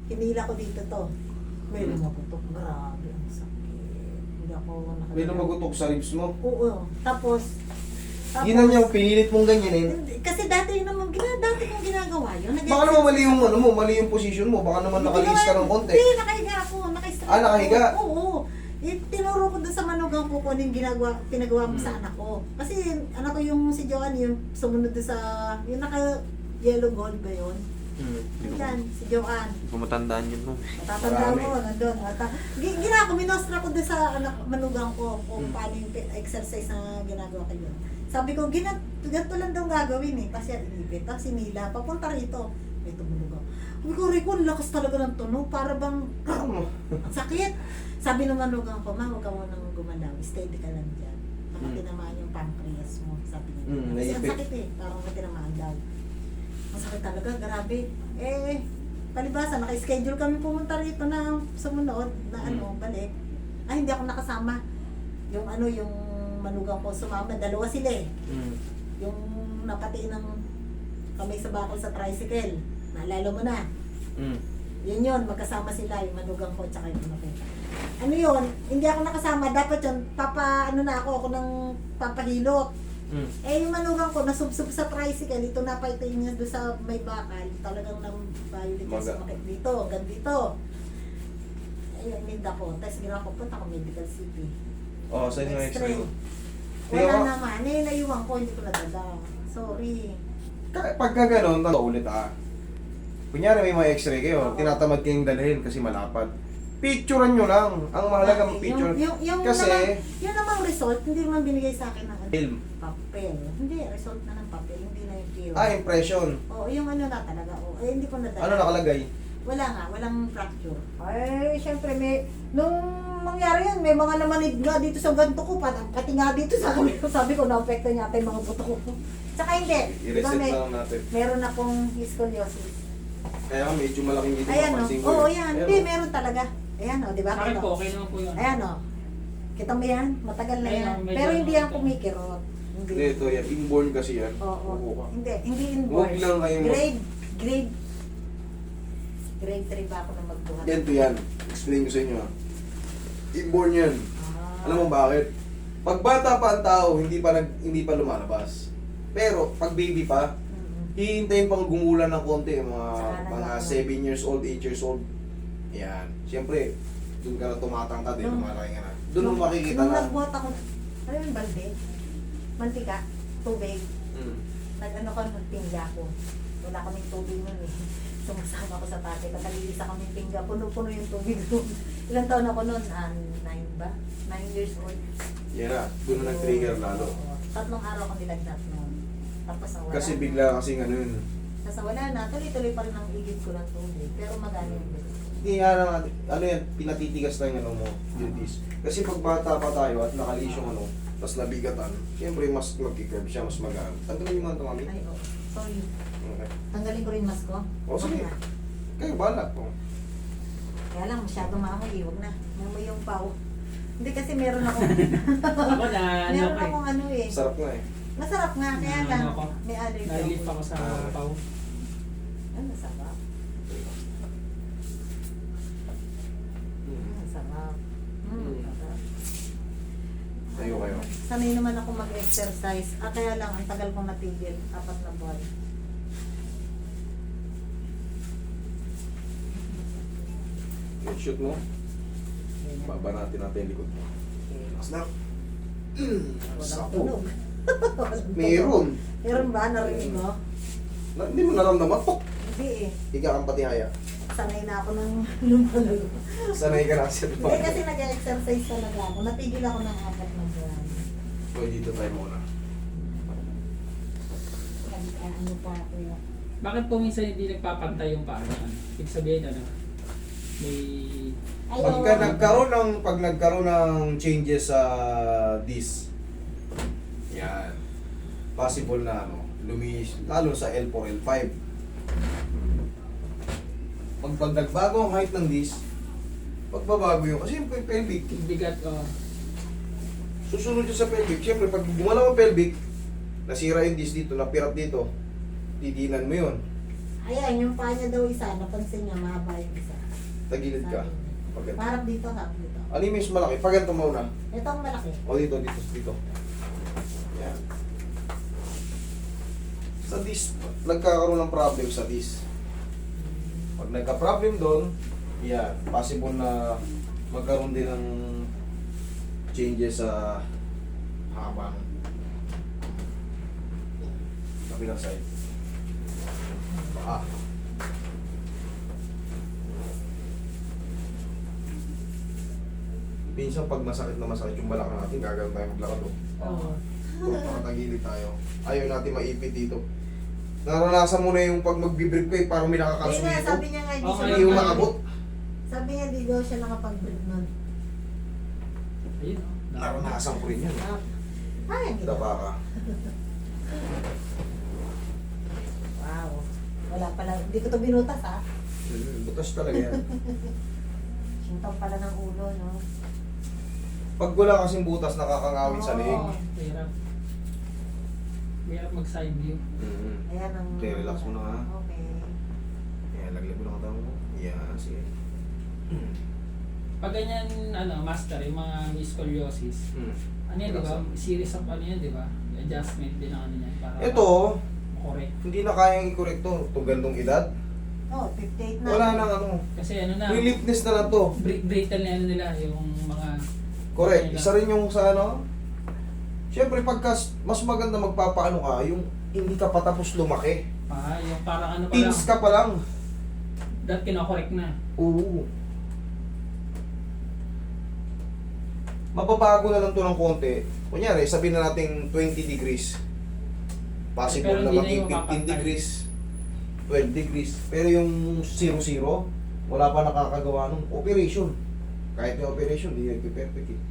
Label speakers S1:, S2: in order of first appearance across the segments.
S1: hinila ko dito to. May lumagutok. Grabe, ang sakit. Hindi ako
S2: May lumagutok sa ribs mo.
S1: Oo. Tapos
S2: Yun ang yung pinilit mong ganyanin.
S1: kasi dati yun naman, dati kong ginagawa yun.
S2: Baka naman mali yung ano mo, mali yung position mo. Baka naman nakalis ka ng konti.
S1: Hindi, nakahiga ako.
S2: Nakahiga?
S1: Oo. Tinuro ko doon sa manugang ko kung ano yung pinagawa mo sa anak ko. Kasi anak ko yung si Joanne, yung sumunod doon sa, yung naka-yellow gold ba yun? Yan, si Joanne.
S3: Pumatandaan yun mo.
S1: Matatanda mo, nandun. Gina ko, minostra ko doon sa anak, manugang ko kung paano yung exercise na ginagawa ko yun. Sabi ko, ganito lang daw gagawin eh. Kasi inipit. Tapos sinila, papunta rito. May tumunog ako. Sabi ko, Rico, ang lakas talaga ng tunog. Para bang, ang sakit. Sabi ng manugang ko, ma, huwag ka munang gumalaw. Steady ka lang dyan. Baka tinamaan yung pancreas mo. Sabi niya. Kasi ang sakit eh. Parang may tinamaan daw. Ang sakit talaga, grabe. Eh, palibasa, naka-schedule kami pumunta rito na sumunod na balik. Ay, hindi ako nakasama. Yung yung manugang ko sumama, dalawa sila eh. Yung napati ng kamay sa bakol sa tricycle. Naalala mo na. Yun, magkasama sila, yung manugang ko tsaka yung anak ko. Ano yun, hindi ako nakasama, dapat yun, ako ng papahilot. Eh yung manugang ko, nasubsob sa tricycle, ito napaitin niya doon sa may bakal, talagang nang violate sa makit dito, hanggang dito. Ayun, ninda ko, tapos ginawa ko, punta ko medical city.
S2: Sa inyo x-ray.
S1: Wala naman, naiwan ko, hindi ko nadala. Sorry.
S2: Pagka gano'n, ulit Kunyari may mga x-ray kayo, tinatamad kayong dalhin kasi malapad. Picturean nyo lang. Ang mahalagang picture. Kasi,
S1: yung namang result, hindi naman binigay sa akin ng
S2: film.
S1: papel. Hindi, result na ng papel, hindi na yung film.
S2: Impression.
S1: Oo, yung na talaga. Hindi ko nadala.
S2: Ano nakalagay?
S1: Wala nga, walang fracture. Ay, syempre, nung mangyari yan, may mga lamanid nga dito sa ganto ko, pati nga dito sa kami. Sabi ko, na-apekto niya yung mga buto ko. Tsaka hindi.
S2: I-reset na lang natin.
S1: Meron akong scoliosis.
S2: Kaya medyo malaking dito.
S1: Ayan o. Oo, yan. Hindi, meron talaga. Ayan o, di ba?
S4: Sa akin po, okay naman po yun.
S1: Ayan o. Kita mo yan? Matagal na yan. Pero hindi yan kumikirot.
S2: Hindi, ito yan. Inborn kasi yan.
S1: Oo. Hindi inborn.
S2: Huwag lang kayo
S1: Grade 3 ba ako na magbuhat?
S2: Ganito yan. Explain ko sa inyo. Inborn yan. Alam mo bakit? Pag bata pa ang tao, hindi pa lumalabas. Pero pag baby pa, hihintayin pang gumulan ng konti, mga 7 years old, 8 years old. Yan. Siyempre, doon ka na tumatangtad, lumalaki ka na. Doon mo makikita
S1: nung
S2: na.
S1: nagbuhat ako, ano yung balde? Mantika, tubig. Nag-ano ko, nagpingga ko. Wala kaming tubig nun eh. Sumasama ko sa tate, nakalilisa kaming pingga, puno-puno yung tubig doon. Ilang taon ako noon? 9 ba? 9 years old.
S2: Yan na, doon na nag-trigger lalo.
S1: Tatlong araw akong nilagnat noon. Tapos nawala
S2: Kasi
S1: na.
S2: bigla kasing ano yun.
S1: Tapos wala na, tuloy-tuloy pa rin ang igit ko ng tubig. Pero magano yung bilis.
S2: Hindi nga naman, ano yan, pinatitigas na yung ano mo, duties. Kasi pag bata pa tayo at nakalis yung ano, tapos nabigatan, siyempre mas mag-curve siya, mas magaan. Tanggalin yung mga ito, mami.
S1: Ay, oo. Sorry.
S2: Okay.
S1: Tanggalin ko rin mask ko.
S2: O sige,
S1: na.
S2: kayo bahala po.
S1: Kaya lang, masyadong maamoy. Huwag na. Maamoy yung pao. Hindi kasi meron akong...
S4: Ako na,
S1: meron akong ano eh.
S2: Sarap na eh.
S1: Masarap nga, kaya
S4: Ano
S1: lang.
S4: ako?
S1: May allergy
S4: Nalilip ako sa pau.
S1: Ano, masarap. Masarap. Masarap.
S2: Tayo kayo.
S1: Sanay naman ako mag-exercise. Kaya lang, ang tagal kong natigil. 4 na buwan.
S2: Yung shoot mo, baba natin yung likod mo. Mas na.
S1: Walang
S2: Sapo.
S1: tunog.
S2: Meron.
S1: Meron ba? Narinig mo?
S2: Hindi mo naramdaman. Pok!
S1: Hindi eh.
S2: Higa kang patihaya.
S1: Sanay na ako ng lumalago.
S2: Sanay ka na sa
S1: Hindi
S2: diba?
S1: kasi nag-exercise talaga ako. Natigil ako ng 4 na buwan.
S2: So, dito tayo muna.
S1: Ano pa ako yun?
S4: Bakit po minsan hindi nagpapantay yung paa? Ibig sabihin ano? May...
S2: Pag nagkaroon ng changes sa disc, yan, possible na lumis, lalo sa L4, L5. Pag nagbago ang height ng disc, pagbabago yun, kasi yung pelvic,
S4: bigat o...
S2: susunod yun sa pelvic. Siyempre, pag gumalaw ang pelvic, nasira yung disc dito, napirat dito, didinan mo yun.
S1: Ayan, yung paa niya daw isa, napansin niya, mahaba yung isa.
S2: Tagilid ka.
S1: Sabi niya.
S2: Pag ganito.
S1: Harap dito, harap dito.
S2: Ano yung mas malaki? Pag ganito muna.
S1: Ito ang malaki.
S2: O dito, dito, dito. Yan. Sa disc, nagkakaroon ng problem sa disc. Pag nagka-problem doon, yan, possible na magkaroon din ng changes sa haba ng kabilang side. Minsan pag masakit na masakit yung balakang natin, gagawin tayo maglakad o.
S1: Oo.
S2: Nakatagilid tayo. Ayaw natin maipit dito. Naranasan mo na yung pag magbibrip ko eh, parang may
S1: Hindi
S2: nakakasunod
S1: nga,
S2: dito.
S1: sabi niya nga, hindi
S4: Okay.
S1: siya
S2: Hindi yung makabot.
S1: Sabi niya, hindi daw siya nakapag-break nun.
S4: Ayun, oh.
S2: Naranasan ko rin yan.
S1: Ay, hindi.
S2: Dapa ka.
S1: Wow. Wala pala. Hindi ko to binutas, ha?
S2: Butas talaga yan.
S1: Sintaw pala ng ulo, no?
S2: Pag wala kasing butas, nakakangawit sa leeg.
S1: Oo.
S4: Mahirap. Mahirap mag-side view.
S1: Ayan ang...
S2: Okay, relax mo na, ha?
S1: Okay.
S2: Yan, laglag mo lang ang mo. Yan, sige.
S4: Pag ganyan, master, yung mga may scoliosis, ano yan, di ba? Series of ano yan, di ba? Adjustment din ang ano yan. Para
S2: Ito,
S4: correct.
S2: hindi na kayang i-correct to. Itong gandong edad.
S1: Oh, 58 na.
S2: Wala nang ano.
S4: Kasi ano na,
S2: Reliefness na lang to.
S4: brittle na ano nila, yung mga...
S2: Correct. Isa rin yung sa ano. Siyempre, pagka mas maganda magpapaano ka, yung hindi ka patapos lumaki.
S4: yung parang ano pa lang,
S2: Teens ka pa lang.
S4: that kinokorek na.
S2: Oo. Mababago na lang to ng konti. Kunyari, sabihin na natin 20 degrees. Possible
S4: Pero
S2: na
S4: hindi na
S2: maging
S4: yung
S2: 15
S4: mapapantay.
S2: degrees, 12 degrees. Pero yung 0-0, wala pa nakakagawa ng operation. Kahit yung operation, hindi nagpe-perfect eh.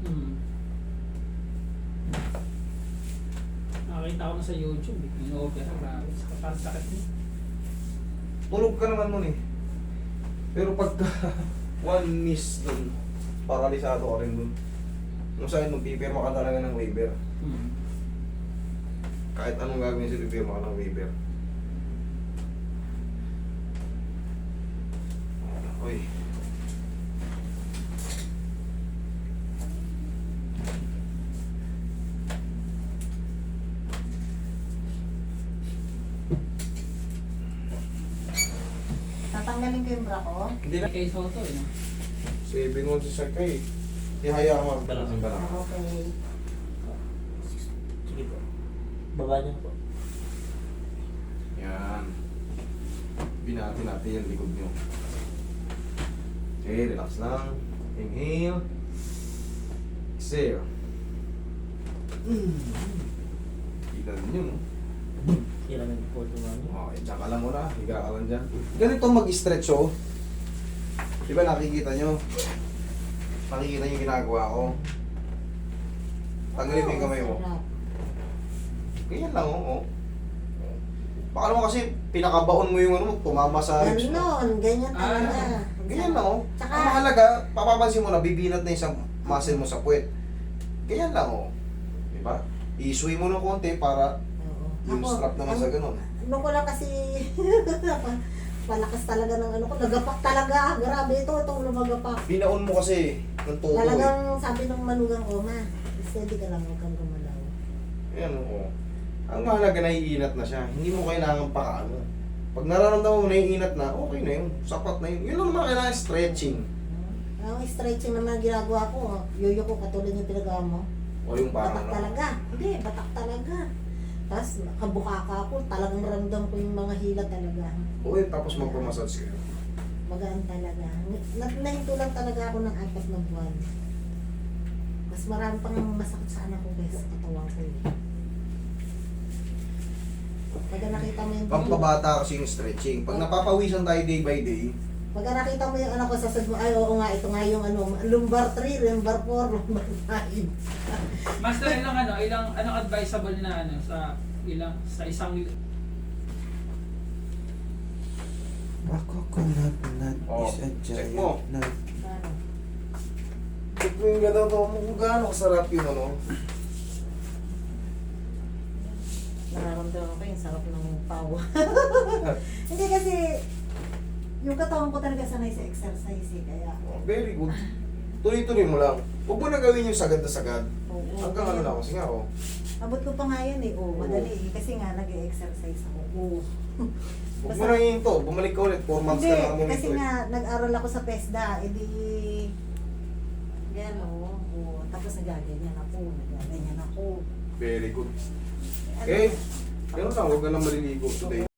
S4: Nakakita ko na sa YouTube, yung opera, grabe, parang sakit niya.
S2: Tulog ka naman nun eh. Pero pagka one miss dun, paralisado ka rin dun. Nung sa'yo, magpipirma ka talaga ng waiver. Kahit anong gagawin sa'yo, pipirma ka ng waiver. Uy.
S1: Tatanggalin ko yung bra ko.
S2: Hindi na.
S4: Kay Soto, eh, no?
S2: 7-1 si Sakay. Ihaya ka
S3: Balance.
S2: mag-balance.
S1: Okay.
S3: Sige po. Baba niyo po.
S2: Yan. Binati natin yung likod nyo. Okay, relax lang. Inhale. Exhale. Ilan nyo, no?
S3: Kailangan po tumami.
S2: Okay, tsaka lang muna. Higa ka lang dyan. Ganito mag-stretch, oh. Di ba nakikita nyo? Nakikita nyo yung ginagawa ko. Tanggalin mo yung kamay mo.
S1: Sarap.
S2: Ganyan lang, oh. Baka naman kasi pinakabaon mo yung ano mo, tumama sa ribs mo.
S1: Ganon, ganyan talaga.
S2: Ganyan lang, oh.
S1: Tsaka-
S2: Ang mahalaga, papapansin mo na bibinat na yung isang muscle mo sa puwet. Ganyan lang, oh. Diba? I-sway mo ng konti para
S1: Oo.
S2: yung
S1: Ako,
S2: strap naman sa ganun.
S1: Ano ko lang kasi, palakas talaga ng ano ko, nagapak talaga. Grabe itong lumagapak.
S2: Binaon mo kasi ng todo.
S1: Talagang sabi ng manugang ko, ma, steady ka lang, huwag kang gumalaw.
S2: Ayan, oo. Ang mahalaga, naiinat na siya. Hindi mo kailangan pakaano. Pag nararamdaman mo naiinat na, okay na yun. Sapat na yun. Yun lang naman kailangan stretching.
S1: Ang stretching naman ang ginagawa ko, yoyo ko katulad yung pinagawa mo.
S2: O yung parang
S1: Batak
S2: ano.
S1: talaga. Hindi, batak talaga. Tapos kabukaka ako, talagang ramdam ko yung mga hila talaga.
S2: O yun, tapos magpamassage kayo.
S1: Magaan talaga. Nahinto lang talaga ako ng 4 na buwan. Mas marami pang masakit sa anak ko kaysa sa katawan ko. Pagka nakita mo yung
S2: Pampabata kasi yung stretching. Pag napapawisan tayo day by day,
S1: pagka nakita mo yung anak ko, sasabi mo, ay oo nga, ito nga yung ano, lumbar 3, lumbar 4, lumbar 5.
S4: Master, anong advisable na sa isang
S5: A coconut nut
S2: Oh,
S5: is a
S2: check
S5: giant
S2: mo.
S5: nut.
S2: check mo yung gano'n to, kung gaano kasarap yun, ano.
S1: nararamdaman ko yung sarap ng pau. Hindi kasi, yung katawan ko talaga sanay sa exercise eh, kaya.
S2: Oh, very good. Tuloy-tuloy mo lang. Huwag mo na gawin yung sagad na sagad.
S1: Oo.
S2: Hanggang ano lang, kasi nga oh.
S1: Abot ko pa nga yan eh, madali eh, kasi nga nag-exercise ako.
S2: Huwag mo na yun to. Bumalik ka ulit. 4 months
S1: Hindi,
S2: ka na kami
S1: kasi nga nag-aral ako sa PESDA, edi yan tapos nagaganyan ako.
S2: Very good. Okay. Ganun lang. Huwag ka lang maliligo today.